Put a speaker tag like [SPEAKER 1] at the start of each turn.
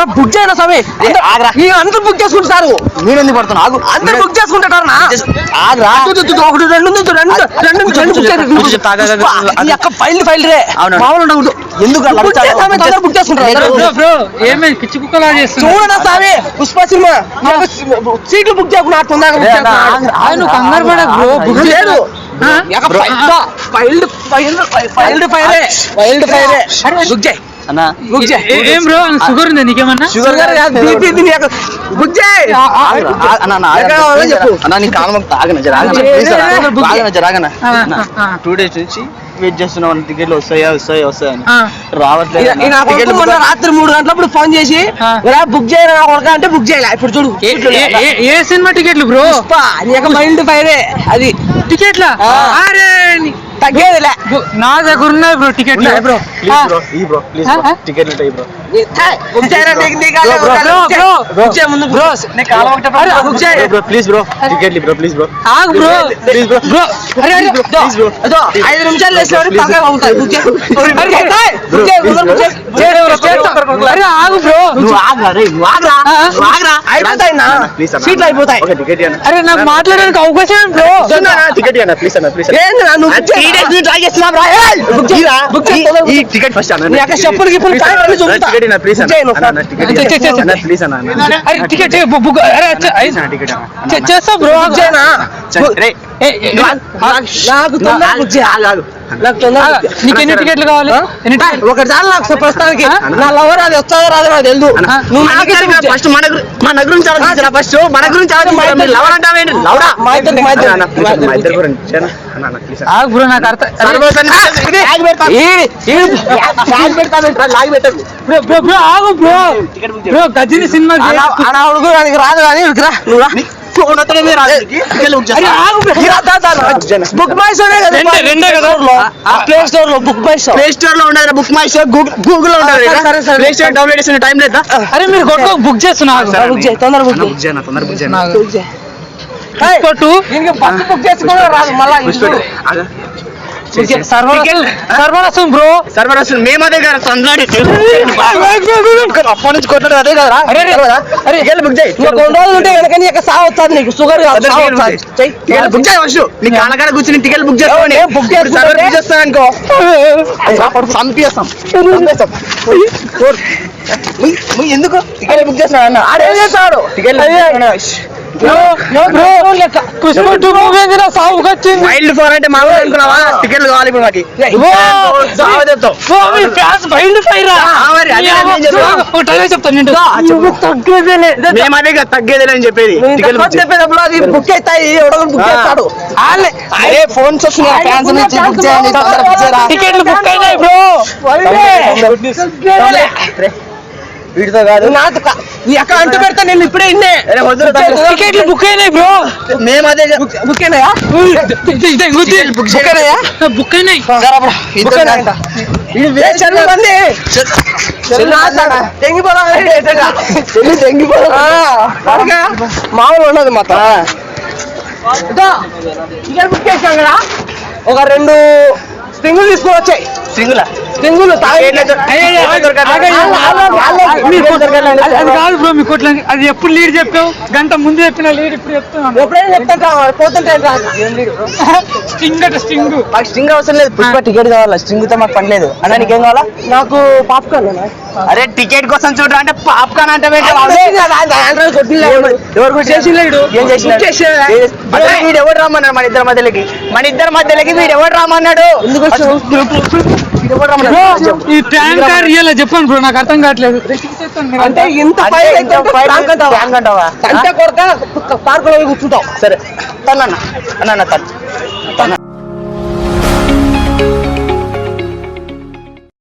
[SPEAKER 1] book చేయనా స్వామి అందరూ book చేసుకుంటారు
[SPEAKER 2] నేను ఎందుకు పడుతున్నా ఆగు
[SPEAKER 1] అందరూ బుక్ చేసుకుంటారు ఒకటి రెండు ఫైల్ రే మామూలు
[SPEAKER 2] ఎందుకు
[SPEAKER 1] బుక్ చేసుకుంటారు చూడనా స్వామి పుష్ప సినిమా సీట్లు బుక్ చేయకుండా
[SPEAKER 3] కంగారు పడ బ్రో బుక్ చేయడు
[SPEAKER 1] వైల్డ్ ఫైర్ బుక్ చేయి
[SPEAKER 3] ఏం బ్రో షుగర్ ఉంది నీకేమన్నా
[SPEAKER 1] షుగర్ బుక్ చేయి
[SPEAKER 2] చెప్పు 2 days నుంచి వెయిట్ చేస్తున్నాం టికెట్లు వస్తాయని రావట్లేదు
[SPEAKER 1] రాత్రి 3 గంటలప్పుడు ఫోన్ చేసి బుక్ చేయరా అంటే బుక్ చేయాలి ఇప్పుడు చూడు
[SPEAKER 3] ఏ సినిమా టికెట్లు బ్రో
[SPEAKER 1] మైల్డ్ ఫైరే అది
[SPEAKER 3] టికెట్లా
[SPEAKER 1] తగ్గేదిలే
[SPEAKER 3] నా దగ్గర ఉన్నాయి బ్రో టికెట్లు
[SPEAKER 2] బ్రో ప్లీజ్ టికెట్లు ఉంటాయి బ్రో ప్లీజ్ బ్రో టికెట్లు బ్రో ప్లీజ్ బ్రో
[SPEAKER 3] బ్రో
[SPEAKER 1] 5 నిమిషాలు
[SPEAKER 3] ఆగు బ్రో
[SPEAKER 1] సీట్లు అయిపోతాయి
[SPEAKER 3] అరే నాకు మాట్లాడడానికి అవకాశం బ్రో
[SPEAKER 2] టికెట్ ప్లీజ్ అన్న ప్లీజ్ టికెట్ ఫస్ట్
[SPEAKER 1] చెప్పులు
[SPEAKER 2] ప్లీజ్ అన్న
[SPEAKER 3] టికెట్ చేస్తా బ్రో నీకు ఎన్ని టికెట్లు కావాలి
[SPEAKER 1] ఒకటి చాలు నాకు ప్రస్తుతానికి నా లవర్ అది వస్తుందో రాదో నాకు తెలుసు
[SPEAKER 2] ఫస్ట్ మన గురించి ఆలోచించారా ఫస్ట్ మన గురించి ఆలోచించారా లవర్ అంటావేంటి లవరా మా ఇద్దరు గురించి
[SPEAKER 3] బ్రో నాకు అర్థం ఆగు బ్రో బ్రో గజిని సినిమా
[SPEAKER 1] రాదు కానీ book my show play store లో book my show
[SPEAKER 2] play store లో ఉండదు బుక్ మై షో గూగుల్ లో ఉండదు ప్లే స్టోర్ డౌన్లోడ్ చేసిన టైం లేదా
[SPEAKER 3] అరే మీరు కొట్టు బుక్ చేస్తున్నా
[SPEAKER 1] బుక్ చేయి తొందర బుక్ చేయి బుక్ చేసుకోవడం రాదు మళ్ళీ
[SPEAKER 3] సర్వరసం బ్రో
[SPEAKER 2] సర్వరసం మేము అదే కదా అప్పటి నుంచి కొట్టడం అదే కదా బుక్ చేయి
[SPEAKER 1] 2 రోజులు ఉంటే కనుక సాగు వస్తుంది నీకు షుగర్
[SPEAKER 2] బుక్ చేయి ఫస్ట్ నీ కాళ్ళకాడ కూర్చుని టికెట్ బుక్ చేసుకోండి
[SPEAKER 1] బుక్
[SPEAKER 2] చేస్తాను అనుకో చంపేస్తాం ఎందుకు టికెట్ బుక్ చేస్తున్నా అన్న
[SPEAKER 1] ఆడేం చేస్తాడు
[SPEAKER 2] టికెట్ వైల్డ్ ఫోర్ అంటే మామూలు అనుకున్నావా టికెట్లు కావాలి ఇప్పుడు మాకు తగ్గేదే అని చెప్పేది
[SPEAKER 1] చెప్పేటప్పుడు అది బుక్ అవుతాయి ఎవడో బుక్ చేస్తాడు
[SPEAKER 2] అరే ఫోన్స్
[SPEAKER 1] టికెట్లు బుక్ అయినాయి బ్రో
[SPEAKER 2] వీటితో కాదు
[SPEAKER 1] ఎక్కడ అంటూ పెడతా నేను ఇప్పుడే
[SPEAKER 3] టికెట్లు బుక్ అయినాయి బ్రో
[SPEAKER 2] మేము అదే
[SPEAKER 1] బుక్ అయినాయా
[SPEAKER 3] బుక్ అయినాయి
[SPEAKER 1] మామూలు ఉన్నది మొత్తం బుక్ చేసాం కదా ఒక 2 స్ప్రింగులు తీసుకొని వచ్చాయి స్ప్రింగులు
[SPEAKER 3] కాదు బ్రో మీ కొట్ల అది ఎప్పుడు లీడ్ చెప్పావు గంట ముందు చెప్పిన లీడ్ ఇప్పుడు చెప్తున్నాను
[SPEAKER 1] ఎప్పుడైనా చెప్తా పోతుంటే
[SPEAKER 2] స్ట్రింగ్ అవసరం లేదు పుష్ప టికెట్ కావాలా స్ట్రింగ్ తో మాకు పని లేదు అన్న నీకేం కావాలా
[SPEAKER 1] నాకు పాప్కార్న్
[SPEAKER 2] అరే టికెట్ కోసం చూడరా అంటే పాప్కార్న్ అంటే వీడు ఎవరు రమ్మన్నాడు మన ఇద్దరి మధ్యలోకి వీడు ఎవరు రమ్మన్నాడు
[SPEAKER 3] ఈ ట్యాంకర్ ఇలా చెప్పండి బ్రో నాకు అర్థం కావట్లేదు
[SPEAKER 1] అంటే ఇంత అంటే కొరక పార్కులో కూర్చుంటాం
[SPEAKER 2] సరే తన